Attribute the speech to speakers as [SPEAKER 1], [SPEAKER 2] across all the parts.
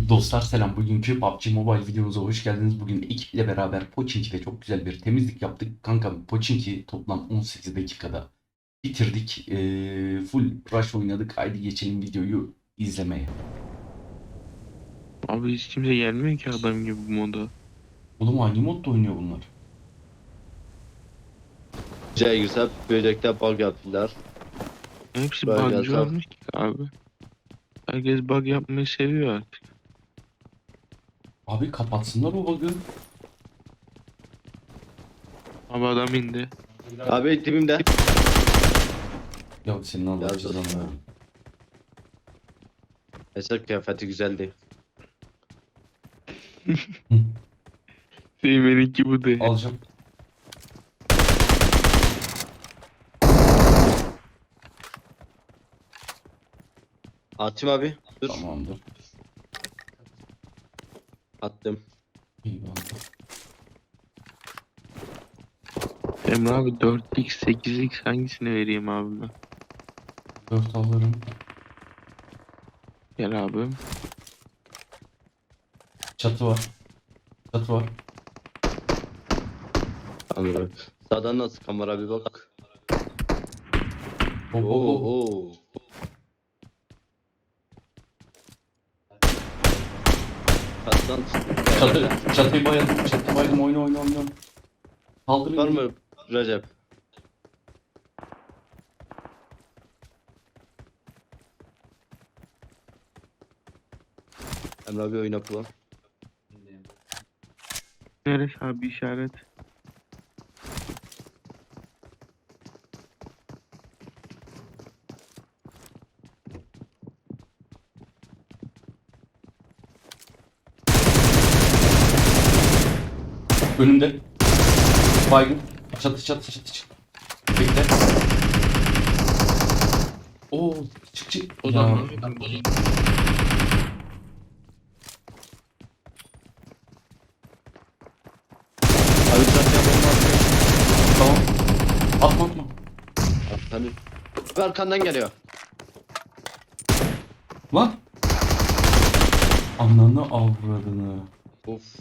[SPEAKER 1] Dostlar selam. Bugünkü PUBG Mobile videomuza hoş geldiniz. Bugün ekiple beraber Pochinki'de çok güzel bir temizlik yaptık. Kanka Pochinki toplam 18 dakikada bitirdik. Full rush oynadık. Haydi geçelim videoyu izlemeye.
[SPEAKER 2] Abi hiç kimse gelmiyor ki adam gibi bu moda.
[SPEAKER 1] Oğlum hangi modda oynuyor bunlar?
[SPEAKER 3] Geceye girse böcekte bug yaptılar.
[SPEAKER 2] Hepsi
[SPEAKER 3] Böyle
[SPEAKER 2] bugcı
[SPEAKER 3] gelse
[SPEAKER 2] olmuş ki abi. Herkes bug yapmayı seviyor artık.
[SPEAKER 1] Abi kapatsınlar o bug'ı.
[SPEAKER 2] Abi adam indi.
[SPEAKER 3] abi dibimde.
[SPEAKER 1] Ya senin Allah
[SPEAKER 3] Yazık
[SPEAKER 1] cezanı
[SPEAKER 3] ya.
[SPEAKER 1] versin.
[SPEAKER 3] Mesela kıyafeti güzeldi.
[SPEAKER 2] Seymen'inki bu de.
[SPEAKER 1] Alacağım.
[SPEAKER 3] Atayım abi. Dur.
[SPEAKER 1] Tamamdır.
[SPEAKER 3] Attım.
[SPEAKER 1] İyi bak.
[SPEAKER 2] Emre abi 4x 8x hangisini vereyim abi ben?
[SPEAKER 1] 4 alırım.
[SPEAKER 2] Gel abi.
[SPEAKER 1] Çatı var. Çatı var.
[SPEAKER 3] Anladım. Sağdan nasıl kamera bir bak.
[SPEAKER 1] Hop hop
[SPEAKER 3] Oo,
[SPEAKER 1] hop.
[SPEAKER 3] oo. Kattan
[SPEAKER 1] Çatıyı bayıldım. Çatıyı bayıldım. Oyna. Kaldırın.
[SPEAKER 3] var mı Recep? Emre abi oyna kullan.
[SPEAKER 2] Neresi abi işaret?
[SPEAKER 1] Önümde. Baygın. Çatı. Bekle. Oo, çık.
[SPEAKER 2] O
[SPEAKER 1] Ya,
[SPEAKER 2] da mı?
[SPEAKER 3] Abi çatıya bomba atıyor.
[SPEAKER 1] tamam. Atma.
[SPEAKER 3] Hani abi arkandan geliyor.
[SPEAKER 1] Lan. Ananı avradını.
[SPEAKER 3] Of.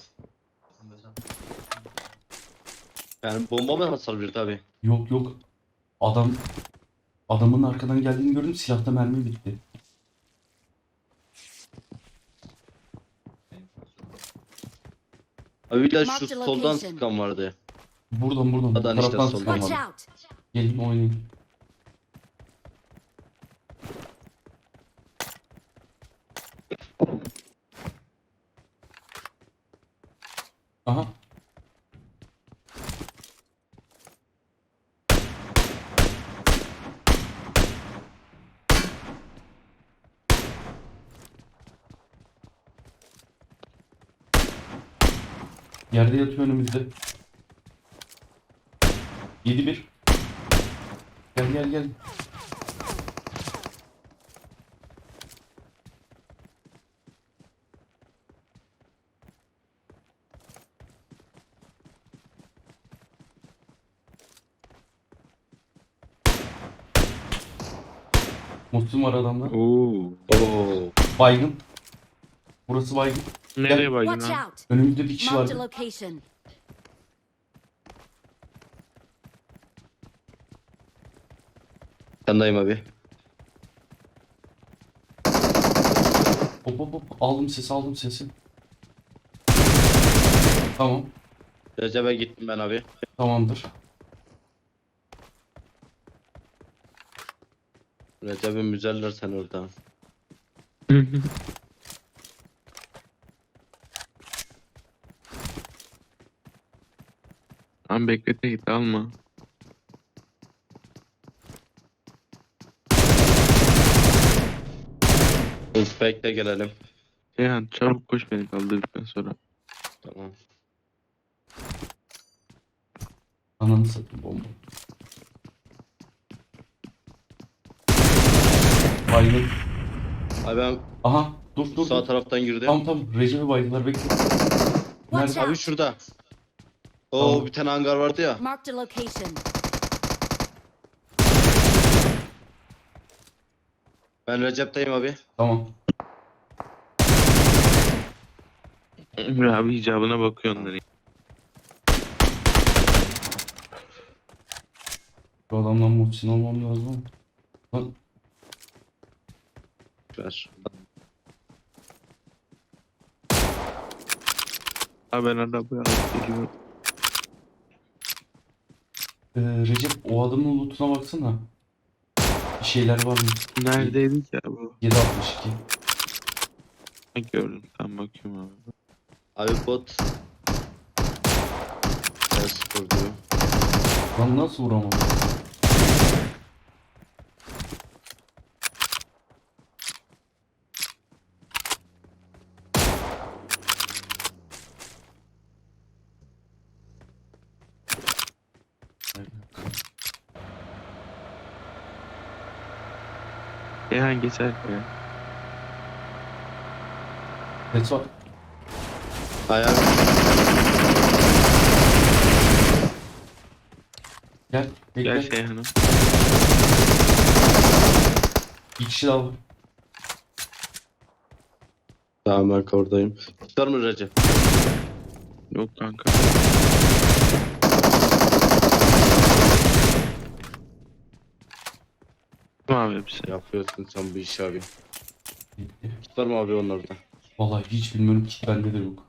[SPEAKER 3] Yani bomba mı hasar bir tabi.
[SPEAKER 1] Yok. Adamın arkadan geldiğini gördüm. Silahta mermi bitti.
[SPEAKER 3] Abi bir de şu
[SPEAKER 4] Marked
[SPEAKER 3] soldan
[SPEAKER 4] location.
[SPEAKER 3] sıkan vardı.
[SPEAKER 1] Buradan. Bu
[SPEAKER 3] Adam işte
[SPEAKER 1] taraftan
[SPEAKER 3] soldan.
[SPEAKER 1] sıkan
[SPEAKER 4] Watch
[SPEAKER 1] var.
[SPEAKER 4] out!
[SPEAKER 1] Gelin oynayın. Aha. Yerde yatıyor önümüzde. 7-1. Gel. Muslim var adamda.
[SPEAKER 2] Oo.
[SPEAKER 3] Oo.
[SPEAKER 1] Baygın. Burası baygın.
[SPEAKER 2] Nereye baydın
[SPEAKER 4] Watch
[SPEAKER 2] abi?
[SPEAKER 4] out!
[SPEAKER 1] Önümüzde bir kişi
[SPEAKER 4] Marked a
[SPEAKER 1] vardı.
[SPEAKER 4] location.
[SPEAKER 3] Yandayım abi.
[SPEAKER 1] Hop. Aldım sesi. Tamam.
[SPEAKER 3] Recep'e gittim ben abi.
[SPEAKER 1] Tamamdır.
[SPEAKER 3] Recep'i müzeller sen orada.
[SPEAKER 2] Abi beklete git alma.
[SPEAKER 3] Inspect'e gelelim.
[SPEAKER 2] Seyhan çabuk koş beni kaldırdıktan sonra.
[SPEAKER 3] Tamam.
[SPEAKER 1] Ananı satayım bomba. Baygın.
[SPEAKER 3] Abi ben
[SPEAKER 1] Aha dur.
[SPEAKER 3] sağ taraftan girdim.
[SPEAKER 1] Tamam. Recep'i baydılar bekle.
[SPEAKER 4] Watch
[SPEAKER 1] Nerede?
[SPEAKER 3] Abi
[SPEAKER 4] out!
[SPEAKER 3] şurada. Oo
[SPEAKER 1] Tamam.
[SPEAKER 3] bir tane hangar vardı ya.
[SPEAKER 4] Marked a location.
[SPEAKER 3] Ben Recep'teyim abi.
[SPEAKER 1] Tamam.
[SPEAKER 2] Emre abi icabına bakıyor onların.
[SPEAKER 1] Bu adamdan muhsin olmam lazım. Lan
[SPEAKER 3] Ver.
[SPEAKER 2] Abi ben arabaya alıp geliyorum.
[SPEAKER 1] Recep o adamın lootuna baksana. Bir şeyler var mı?
[SPEAKER 2] Neredeydi ki abi?
[SPEAKER 1] 762.
[SPEAKER 2] Ha, gördüm. Tamam bakıyorum abi.
[SPEAKER 3] Abi bot. Ben spor diyor.
[SPEAKER 1] Lan nasıl vuramam?
[SPEAKER 2] Seyhan geçer ya.
[SPEAKER 1] Ses var.
[SPEAKER 3] Ayağım.
[SPEAKER 1] Gel. Bekle.
[SPEAKER 2] Gel Seyhan'ım.
[SPEAKER 1] Bir kişi daha var.
[SPEAKER 3] Tamam ben oradayım. Tutar mı Recep?
[SPEAKER 2] Yok kanka. Tamam abi hepsi.
[SPEAKER 3] Yapıyorsun sen bu işi abi.
[SPEAKER 1] Bekle.
[SPEAKER 3] Tutar mı abi onlardan?
[SPEAKER 1] Vallahi hiç bilmiyorum ki bende de yok.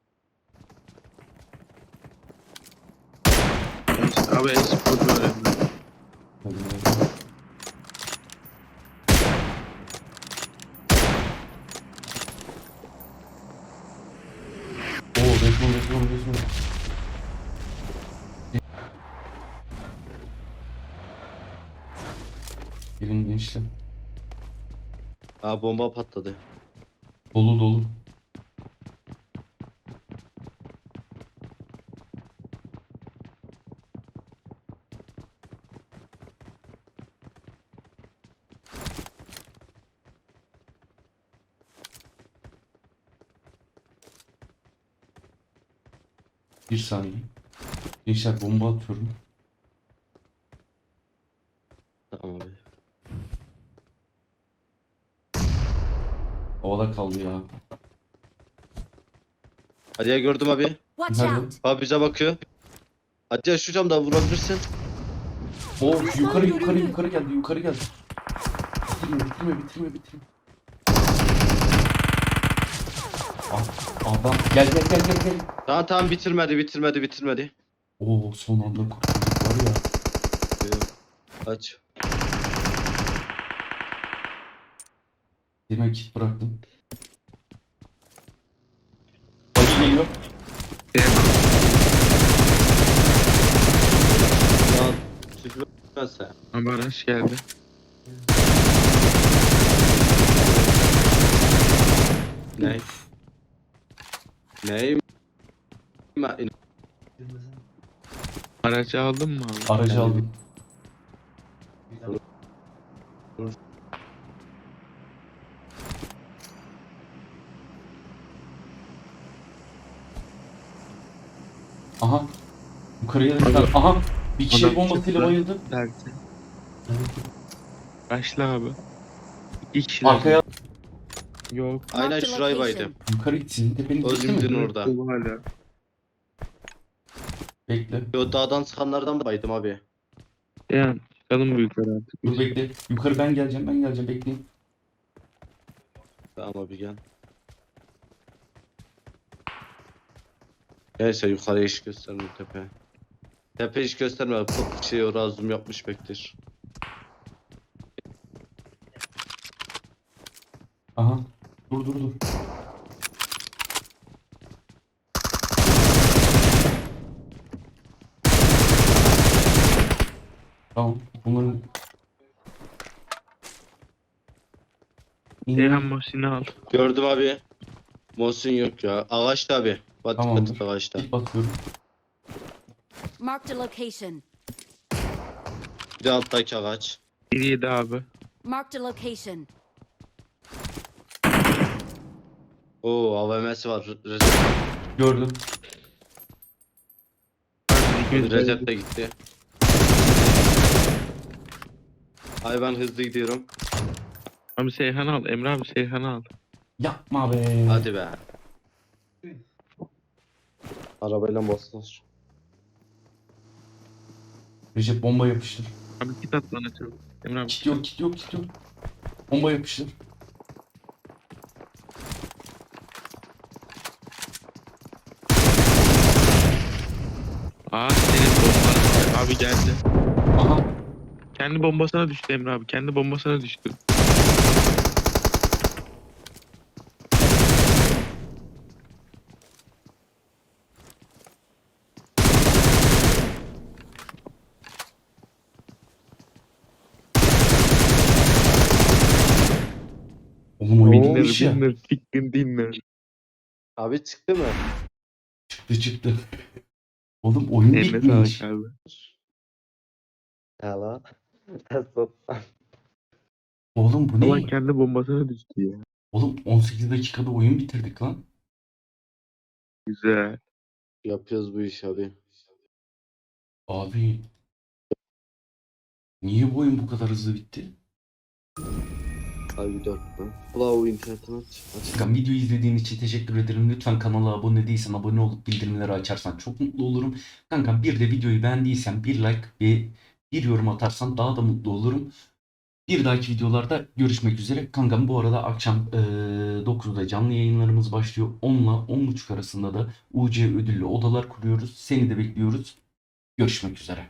[SPEAKER 2] Abi espor öğrendim.
[SPEAKER 1] Hadi ya. Oo, resmen. Gelin gençler.
[SPEAKER 3] Aa bomba patladı.
[SPEAKER 1] Dolu. Bir saniye. Gençler bomba atıyorum.
[SPEAKER 3] Tamam abi.
[SPEAKER 1] Havada kaldı ya.
[SPEAKER 3] Hadi ya gördüm abi.
[SPEAKER 4] Watch
[SPEAKER 1] Nerede?
[SPEAKER 4] out!
[SPEAKER 3] Abi bize bakıyor. Hadi ya şu camda vurabilirsin.
[SPEAKER 1] Oo, yukarı geldi. Bitirme. Adam gel.
[SPEAKER 3] Tamam bitirmedi.
[SPEAKER 1] Oo, son anda kurtulduk var ya.
[SPEAKER 3] Aç.
[SPEAKER 1] Demek kit bıraktım. Bagi geliyor.
[SPEAKER 3] Lan sürmezse.
[SPEAKER 2] Abi araç geldi.
[SPEAKER 3] Ne? Ne?
[SPEAKER 2] Aracı aldın mı abi?
[SPEAKER 1] Aracı aldım. Aha. Yukarıya da
[SPEAKER 2] Abi,
[SPEAKER 1] aha. Bir kişi
[SPEAKER 2] adam
[SPEAKER 1] bombasıyla
[SPEAKER 2] çıktı.
[SPEAKER 1] bayıldı.
[SPEAKER 2] Derdi. Başla abi. İki kişi.
[SPEAKER 1] Arkaya
[SPEAKER 2] Yok.
[SPEAKER 3] Aynen
[SPEAKER 4] Marked a
[SPEAKER 3] şurayı
[SPEAKER 4] location.
[SPEAKER 3] baydım.
[SPEAKER 1] yukarı gitsin. Tepenin
[SPEAKER 3] O
[SPEAKER 1] gitti mi?
[SPEAKER 3] zümrüdün orada.
[SPEAKER 2] Bu hala.
[SPEAKER 1] Bekle.
[SPEAKER 3] O dağdan sıkanlardan baydım abi.
[SPEAKER 2] Yani çıkalım bu yukarı artık.
[SPEAKER 1] Dur bekle. Yukarı ben geleceğim. Bekleyin.
[SPEAKER 3] Tamam abi gel. Neyse yukarıya hiç gösterme tepe. Tepe hiç gösterme. Bu şey orada zoom yapmış bektir.
[SPEAKER 1] Aha. Dur. Tamam. Bunların
[SPEAKER 2] Seyhan Muhsin'i al.
[SPEAKER 3] Gördüm abi. Mosun yok ya. Ağaçta abi. Bak
[SPEAKER 1] Tamamdır.
[SPEAKER 3] dikkat et ağaçta.
[SPEAKER 1] kit basıyorum.
[SPEAKER 4] Marked a location.
[SPEAKER 3] Bir de alttaki ağaç.
[SPEAKER 2] 1-7 abi.
[SPEAKER 4] Marked a location.
[SPEAKER 3] Oo AVM'si var. Recep,
[SPEAKER 1] Gördüm.
[SPEAKER 3] Recep de gitti. Ay ben hızlı gidiyorum.
[SPEAKER 2] Abi Seyhan al. Emre abi Seyhan al.
[SPEAKER 1] Yapma be.
[SPEAKER 3] Hadi be. Arabayla bastılar.
[SPEAKER 1] Recep bomba yapıştır.
[SPEAKER 2] Abi kit at bana çabuk. Emre abi
[SPEAKER 1] Kit yok, kit yok, kit yok. Bomba yapıştır.
[SPEAKER 2] Aa senin bomban. Abi geldi.
[SPEAKER 1] Aha.
[SPEAKER 2] Kendi bombasına düştü Emre abi. Kendi bombasına düştü.
[SPEAKER 1] Oğlum oyun
[SPEAKER 2] Winner
[SPEAKER 1] bitmiş ya.
[SPEAKER 2] winner chicken dinner.
[SPEAKER 3] Abi çıktı mı?
[SPEAKER 1] Çıktı çıktı. Oğlum oyun
[SPEAKER 2] Eline
[SPEAKER 1] bitmiş.
[SPEAKER 2] sağlık abi.
[SPEAKER 3] Ya lan.
[SPEAKER 1] Oğlum bu
[SPEAKER 2] Ama
[SPEAKER 1] ne?
[SPEAKER 2] kendi bombasına düştü ya.
[SPEAKER 1] Oğlum 18 dakikada oyun bitirdik lan.
[SPEAKER 2] Güzel.
[SPEAKER 3] Yapıyoruz bu işi abi.
[SPEAKER 1] Abi niye bu oyun bu kadar hızlı bitti?
[SPEAKER 3] Abi 4 mü? Bravo internetini aç.
[SPEAKER 1] Kankam videoyu izlediğin için teşekkür ederim. Lütfen kanala abone değilsen abone olup bildirimleri açarsan çok mutlu olurum. Kankam bir de videoyu beğendiysen bir like ve bir yorum atarsan daha da mutlu olurum. Bir dahaki videolarda görüşmek üzere. Kankam bu arada akşam 9'da canlı yayınlarımız başlıyor. 10 ile 10.30 arasında da UC ödüllü odalar kuruyoruz. Seni de bekliyoruz. Görüşmek üzere.